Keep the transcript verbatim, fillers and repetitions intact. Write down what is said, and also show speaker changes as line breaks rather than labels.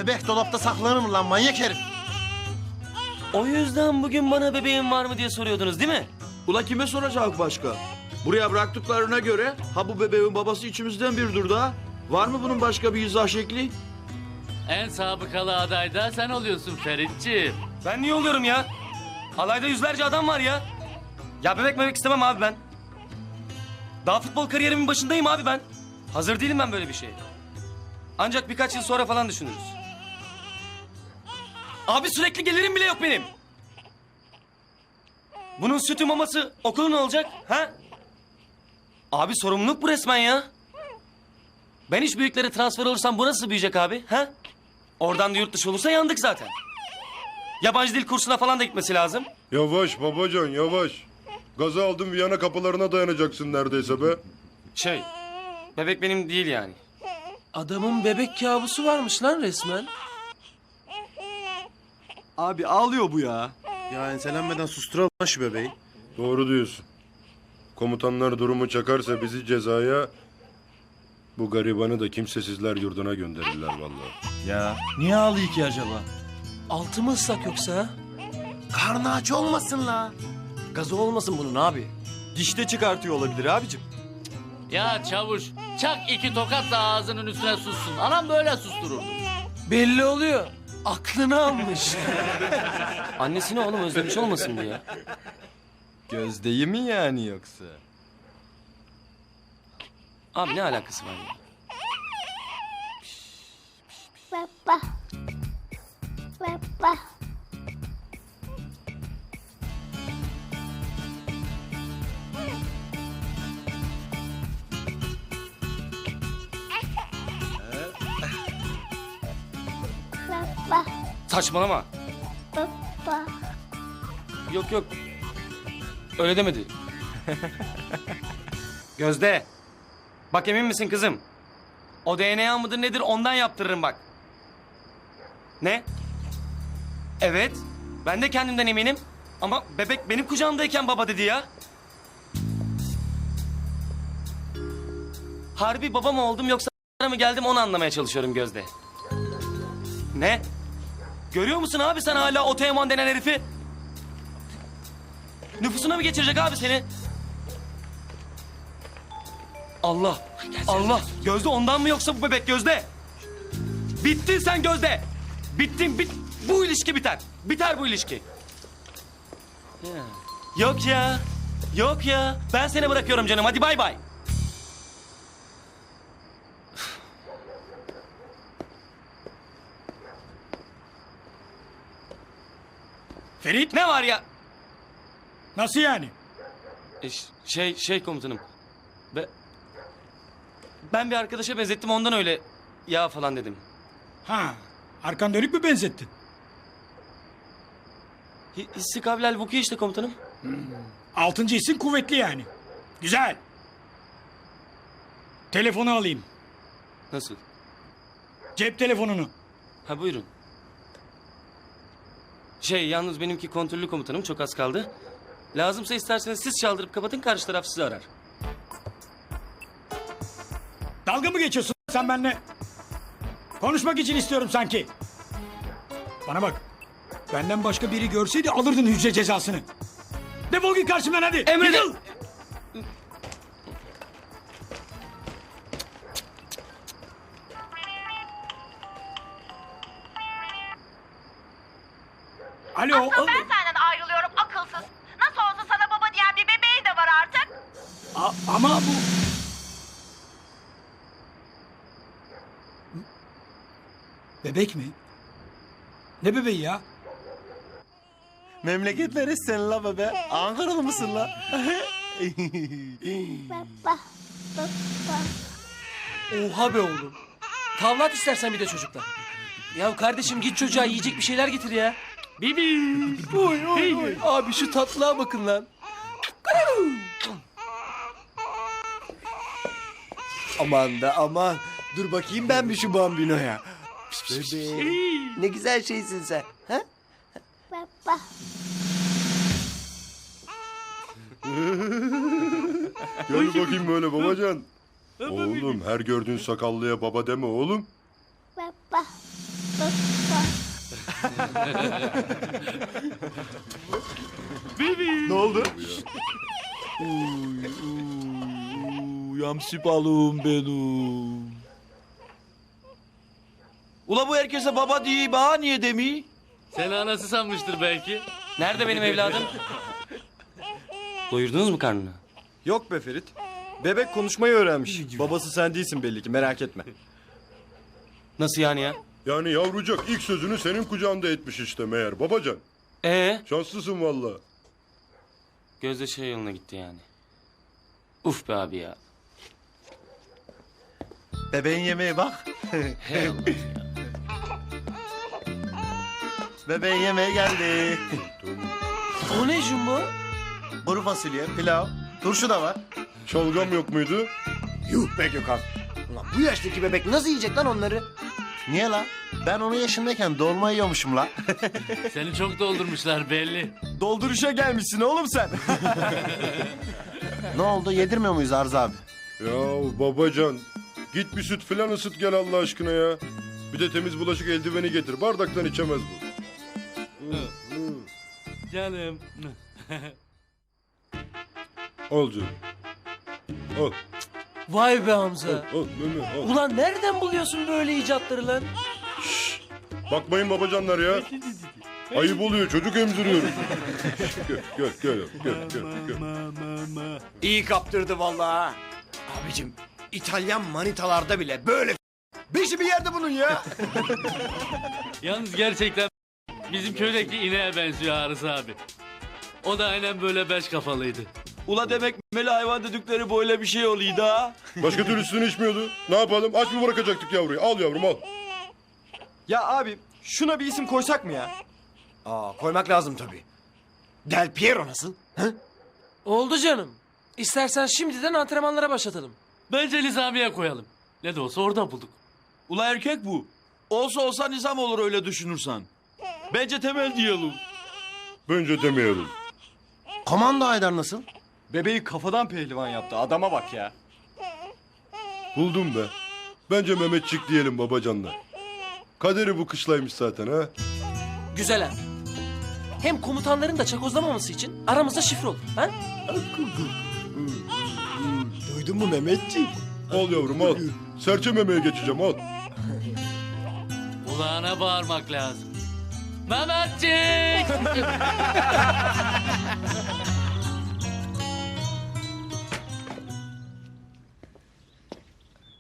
bebek dolapta saklanır mı lan manyak herif?
O yüzden bugün bana bebeğin var mı diye soruyordunuz değil mi?
Ula kime soracak başka? Buraya bıraktıklarına göre ha bu bebeğin babası içimizden biridir daha. Var mı bunun başka bir izah şekli?
En sabıkalı aday da sen oluyorsun Feritciğim.
Ben niye oluyorum ya? Alayda yüzlerce adam var ya. Ya bebek bebek istemem abi ben. Daha futbol kariyerimin başındayım abi ben. Hazır değilim ben böyle bir şeye. Ancak birkaç yıl sonra falan düşünürüz. Abi sürekli gelirim bile yok benim. Bunun sütü maması okulu ne olacak? Ha? Abi sorumluluk bu resmen ya. Ben hiç büyüklere transfer olursam bu nasıl büyüyecek abi? Ha? Oradan da yurt dışı olursa yandık zaten. Yabancı dil kursuna falan da gitmesi lazım.
Yavaş babacan yavaş. Gaza aldın Viyana kapılarına dayanacaksın neredeyse be.
Şey, bebek benim değil yani.
Adamın bebek kabusu varmış lan resmen.
Abi ağlıyor bu ya.
Ya enselenmeden susturalım lan şu bebeği.
Doğru diyorsun. Komutanlar durumu çakarsa bizi cezaya... Bu garibanı da kimsesizler yurduna gönderirler vallahi.
Ya niye ağlıyor ki acaba? Altı mı ıslak yoksa ha?
Karnı aç olmasın la.
Gazı olmasın bunun abi. Dişte çıkartıyor olabilir abicim.
Ya çavuş çak iki tokat da ağzının üstüne sussun. Anam böyle sustururdu.
Belli oluyor. Aklını almış.
Annesini oğlum özlemiş olmasın bu ya?
Gözdeyi mi yani yoksa?
Abi ne alakası var ya?
Papa. Papa. Papa.
Saçmalama.
Papa.
Yok yok. Öyle demedi. Gözde. Bak emin misin kızım? O D N A mıdır nedir ondan yaptırırım bak. Ne? Evet. Ben de kendimden eminim. Ama bebek benim kucağımdayken baba dedi ya. Harbi baba mı oldum yoksa mı geldim onu anlamaya çalışıyorum Gözde. Ne? Görüyor musun abi sen hala o Teoman denen herifi? Nüfusuna mı geçirecek abi seni? Allah, Allah. Gözde ondan mı yoksa bu bebek Gözde? Bittin sen Gözde. Bittin, bit. Bu ilişki biter. Biter bu ilişki. Ya. Yok ya, yok ya. Ben seni bırakıyorum canım. Hadi bay bay.
Ferit,
Ne var ya?
nasıl yani?
E, ş- şey, şey komutanım. Be, ben bir arkadaşa benzettim ondan öyle ya falan dedim.
Ha, arkan dönük mü benzettin?
Hi- Hissi kavlel vuku işte komutanım.
Altıncı hissin kuvvetli yani. Güzel. Telefonu alayım.
Nasıl?
Cep telefonunu.
Ha buyurun. Şey yalnız benimki kontrollü komutanım çok az kaldı. Lazımsa isterseniz siz çaldırıp kapatın karşı taraf sizi arar.
Dalga mı geçiyorsun sen benimle? Konuşmak için istiyorum sanki. Bana bak. Benden başka biri görseydi alırdın hücre cezasını. Defol git karşımdan hadi.
Emredin.
Yıkıl. Alo.
Asıl ben senden ayrılıyorum akılsız. Nasıl olsa sana baba diyen bir bebeği de var artık.
A- ama bu... Bebek mi? Ne bebeği ya?
Memleket neresi la bebe? Ankaralı mısın la?
Papa. Papa.
Oha be oğlum. Tavlat istersen bir de çocuklar. Ya kardeşim git çocuğa yiyecek bir şeyler getir ya.
Bibi.
Oy oy oy. Abi şu tatlılığa bakın lan.
Aman da aman. Dur bakayım ben bir şu bambinoya. Bebeğim. Ne güzel şeysin sen. Ha?
Papa.
Gel bakayım böyle babacan. Oğlum her gördüğün sakallıya baba deme oğlum.
Papa.
Ne oldu? Yamsi balığım benim. Ula bu herkese baba diye bana niye demi?
Seni anası sanmıştır belki.
Nerede benim evladım? Doyurdunuz mu karnını?
Yok be Ferit. Bebek konuşmayı öğrenmiş. Babası sen değilsin belli ki, merak etme.
Nasıl yani ya?
Yani yavrucak ilk sözünü senin kucağında etmiş işte meğer babacan.
Ee,
Şanslısın valla.
Gözde şey yoluna gitti yani. Uf be abi ya.
Bebeğin yemeği bak.
Hey Allah ya.
Bebeğin yemeği geldi.
O ne Jumbo?
Kuru fasulye, pilav, turşu da var.
Şalgam yok muydu?
Yuh be Gökhan. Ulan bu yaştaki bebek nasıl yiyecek lan onları?
Niye la? Ben onun yaşındayken dolma yiyormuşum la.
Seni çok doldurmuşlar belli.
Dolduruşa gelmişsin oğlum sen.
Ne oldu? Yedirmiyor muyuz Arzu abi?
Ya babacan git bir süt filan ısıt gel Allah aşkına ya. Bir de temiz bulaşık eldiveni getir. Bardaktan içemez bu.
Canım.
Al canım. Al.
Vay be Hamza.
Al meme al.
Ulan nereden buluyorsun böyle icatları lan?
Bakmayın babacanlar ya. Ayıp oluyor çocuk emziriyoruz. gel gel gel gel gel. gel.
İyi kaptırdı vallahi. Abicim İtalyan manitalarda bile böyle beşi bir yerde bunun ya.
Yalnız gerçekten bizim köydeki ineğe benziyor Arız abi. O da aynen böyle beş kafalıydı.
Ula demek memeli hayvan dedikleri böyle bir şey oluyor da.
Başka türlüsünü içmiyordu. Ne yapalım? Aç mı bırakacaktık yavruyu? Al yavrum al.
Ya abi şuna bir isim koysak mı ya?
Aa koymak lazım tabii. Del Piero nasıl? Hı?
Oldu canım. İstersen şimdiden antrenmanlara başlatalım.
Bence Nizamiye koyalım. Ne de olsa orada bulduk.
Ula erkek bu. Olsa olsa nizam olur öyle düşünürsen. Bence temel diyelim.
Bence demeyelim.
Komando Haydar nasıl?
Bebeği kafadan pehlivan yaptı, adama bak ya.
Buldum be. Bence Mehmetçik diyelim babacanlar. Kaderi bu kışlaymış zaten ha.
Güzel ha. Hem komutanların da çakozlamaması için aramızda şifre olur. Ha?
Duydun mu Mehmetciğim?
Al yavrum al. Serçe memeye geçeceğim al.
Kulağına bağırmak lazım. Mehmetçik!